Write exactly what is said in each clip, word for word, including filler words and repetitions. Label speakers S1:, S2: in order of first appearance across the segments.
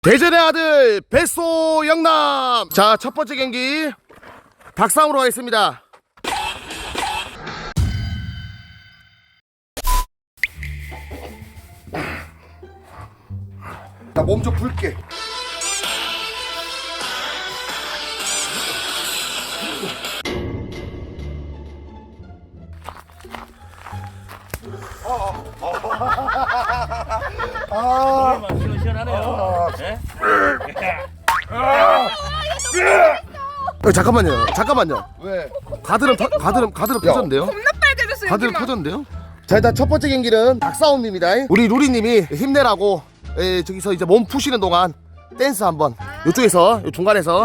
S1: 대전의 아들 뱃소 영남. 자, 첫 번째 경기 닭싸움으로 가겠습니다.
S2: 나 몸 좀 풀게.
S3: 아, 시원시원하네요. 네?
S1: 어, 잠깐만요. 잠깐만요.
S2: 왜?
S1: 가드름 터, 가드름 가드름 터졌는데요?
S4: 겁나 빨개졌어요.
S1: 가드름
S4: 여기만.
S1: 터졌는데요? 자, 일단 첫 번째 경기는 닭싸움입니다. 우리 루리님이 힘내라고 에, 저기서 이제 몸 푸시는 동안 댄스 한번 이쪽에서 요 중간에서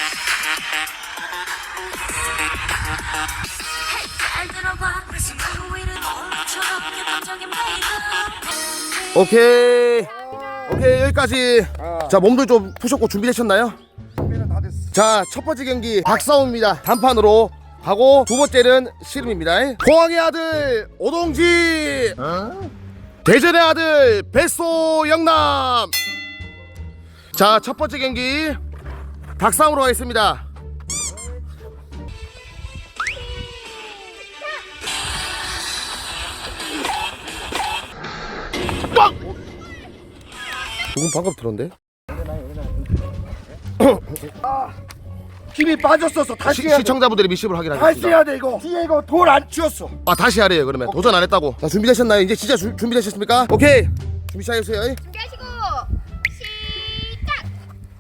S1: 오케이 오케이 여기까지. 자, 몸도 좀 푸셨고 준비되셨나요?
S2: 준비는 다 됐어.
S1: 자, 첫 번째 경기 닭싸움입니다. 단판으로 하고 두 번째는 씨름입니다. 포항의 아들 오동지, 대전의 아들 뱃소 영남. 자, 첫 번째 경기 닭싸움으로 가겠습니다. 빡! 조금 방금 들었는데?
S2: 힘이 빠졌었어. 다시
S1: 시,
S2: 해야 돼.
S1: 시청자분들의 미십을
S2: 다시
S1: 확인하겠습니다.
S2: 해야 돼 이거. 뒤에 이거 돌 안 치웠어.
S1: 아, 다시 하래요. 그러면 도전 안 했다고. 자, 준비되셨나요? 이제 진짜 주, 준비되셨습니까? 오케이, 준비 시작해주세요.
S4: 준비하시고 시작.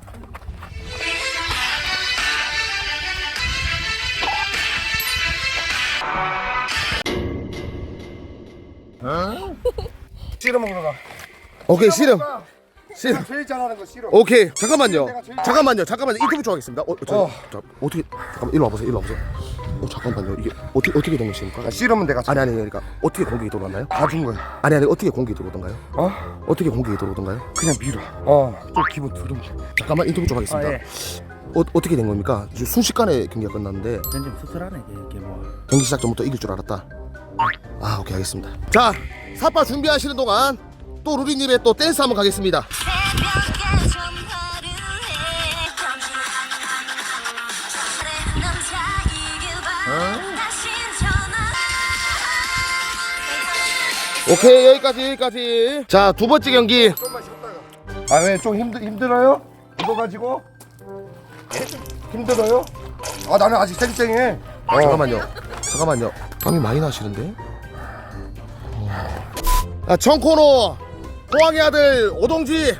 S2: 씨름 먹으러 가.
S1: 오케이, 씨름 씨름.
S2: 내가 제일 잘하는 거 씨름.
S1: 오케이, 잠깐만요.
S2: 내가 제일-
S1: 잠깐만요. 잠깐만요. 인터뷰 좀 하겠습니다. 어, 저,
S2: 어.
S1: 자, 어떻게 잠깐만 일로 와보세요. 일로 와보세요. 어, 잠깐만요. 이게 어떻게 어떻게 된 것입니까?
S2: 아, 씨름은 내가
S1: 아니 아니 그러니까 어떻게 공격이 들어왔나요?
S2: 봐준 거야.
S1: 아니 아니 어떻게 공격이 들어오던가요?
S2: 어?
S1: 어떻게 공격이 들어오던가요?
S2: 그냥 밀어. 어. 좀 기분 드름.
S1: 잠깐만 인터뷰 좀 하겠습니다.
S3: 아, 예.
S1: 어, 어떻게 된 겁니까? 지금 순식간에 경기가 끝났는데
S3: 좀 씁쓸하네, 이게, 이게 뭐.
S1: 경기 시작 전부터 이길 줄 알았다. 아, 오케이, 알겠습니다. 자, 사파 준비하시는 동안 또 루리님의 또 댄스 한번 가겠습니다. 오케이, 여기까지 여기까지. 자, 두 번째 경기.
S2: 아, 왜 좀 힘들 힘들어요? 이거 가지고 힘들어요? 아, 나는 아직 쌩쌩해.
S1: 어. 잠깐만요. 잠깐만요. 땀이 많이 나시는데? 어. 자, 청코노 포항의 아들 오동지.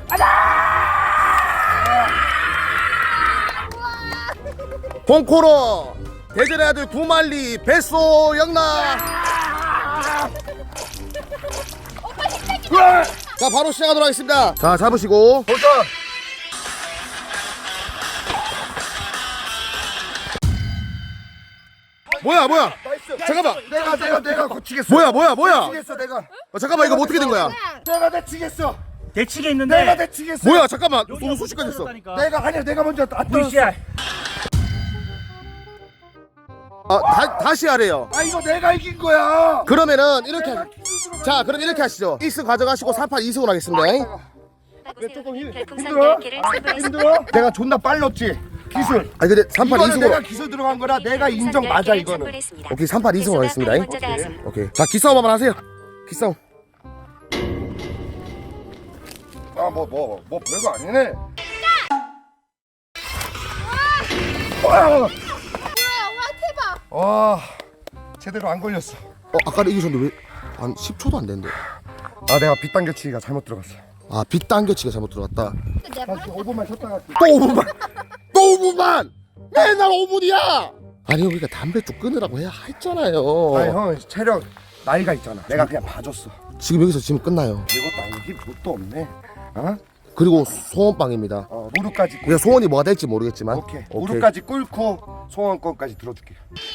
S1: 홍코노 대전의 아들 구만리 뱃소 영남. 자, 바로 시작하도록 하겠습니다. 자, 잡으시고
S2: 도전.
S1: 뭐야 뭐야
S2: 나이스.
S1: 잠깐만.
S2: 내가 내가 내가 고치겠어.
S1: 뭐야 뭐야 뭐야
S2: 고치겠어 내가.
S1: 어, 잠깐만 이거 뭐 어떻게 된 거야?
S2: 내가 대치겠어.
S3: 대치게 있는데.
S2: 내가 대치겠어.
S1: 뭐야 잠깐만 너무 순식간에 했어.
S2: 내가 아니야 내가 먼저 안 떨었어.
S3: 브이씨알.
S1: 아, 다, 다시 하래요.
S2: 아, 이거 내가 이긴 거야.
S1: 그러면은 이렇게
S2: 내가
S1: 하-
S2: 기술으로
S1: 자,
S2: 가는
S1: 그럼 이렇게 하시죠. 일 승 가져가시고 삼 판 이 승으로 하겠습니다.
S2: 왜 조금 힘- 힘들어? 힘들어? 내가 존나 빨랐지. 기술.
S1: 아니 근데 삼 판 이
S2: 이거는 내가
S1: 승으로.
S2: 기술 들어간 거라 내가 인정 맞아 이거는.
S1: 오케이, 삼 판 이 승으로 하겠습니다. 오케이. 자, 기싸움 한번 하세요. 기싸움.
S2: 아, 뭐 뭐 뭐 별거 아니네. 와,
S4: 우와, 우와 대박.
S2: 와, 제대로 안 걸렸어.
S1: 어, 아까는 이기셨는데 왜 한 십 초도 안 됐는데.
S2: 아, 내가 빗당겨치기가 잘못 들어갔어.
S1: 아, 빗 당겨치기가 잘못 들어갔다.
S4: 내가
S2: 다시 오 분만 쉬었다가.
S1: 또 오 분만. 또 오 분만. 맨날 오 분이야. 아니, 우리가 담배 좀 끊으라고 해야 했잖아요.
S2: 아니 형 체력 나이가 있잖아. 내가 그냥 봐줬어.
S1: 지금 여기서 지금 끝나요.
S2: 이것도 아니고 힘 뭣도 없네. 어?
S1: 그리고 소원빵입니다.
S2: 어, 무릎까지. 꿇-
S1: 우리가 소원이 뭐가 될지 모르겠지만.
S2: 오케이. 무릎까지 꿇고 소원권까지 들어줄게.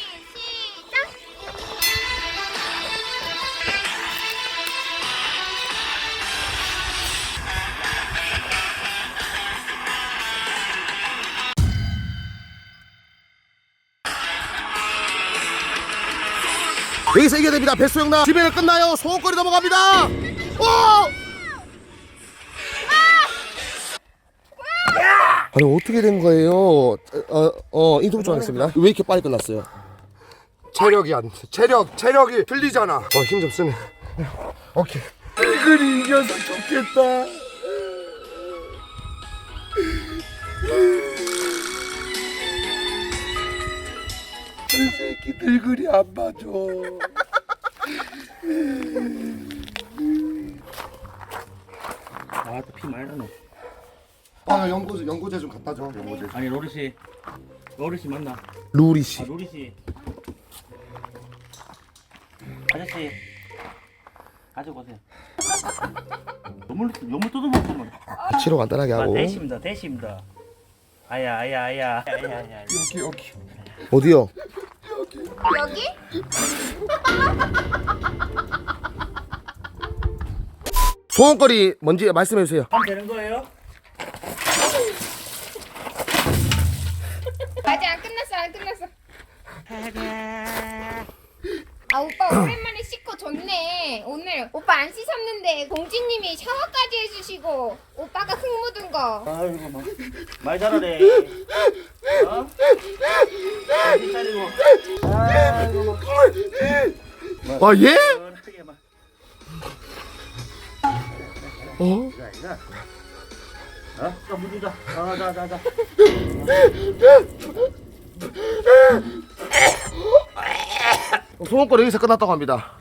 S1: 여기서 이겨야 됩니다. 뱃소 영남. 집에는 끝나요. 소원거리 넘어갑니다. 오! 아니 어떻게 된 거예요? 어, 어 인터뷰 좀 하겠습니다. 왜 이렇게 빨리 끝났어요?
S2: 체력이 안 돼. 체력 체력이 틀리잖아.
S1: 어 힘 좀 쓰네.
S2: 오케이. 이글이 이겨서 좋겠다. 이 새끼 늙은이 안 봐줘.
S3: 아또피 많이 나네.
S2: 아 연고제 연고제 좀 갖다 줘. 연고제.
S3: 아니 로리 씨, 로리 씨 맞나?
S1: 루리
S3: 아
S1: 씨.
S3: 로리 씨. 아저씨 가지고 오세요. 너물 너물 뜯어먹으면.
S1: 치료 간단하게
S3: 아
S1: 하고.
S3: 대시입니다, 대시입니다. 아야, 아야, 아야, 아야, 아야.
S2: 여기 여기.
S1: 어디요?
S4: 여기?
S1: 소원거리 뭔지 말씀해 주세요.
S3: 하면 되는 거예요?
S4: 아직 안 끝났어 안 끝났어. 아 오빠 오랜만에 씻고 좋네. 오늘 오빠 안 씻었는데 공주님이 샤워까지 해주시고 오빠가 흙 묻은 거.
S3: 아이고 뭐. 말 잘하네. 어? 정신 차리고. 아이고 뭐.
S1: 아 예?
S3: 어떻게 막.
S1: 어?
S3: 이거 이거. 어? 또 묻는다. 어, 자, 자, 자.
S1: 소원거리 여기서 끝났다고 합니다.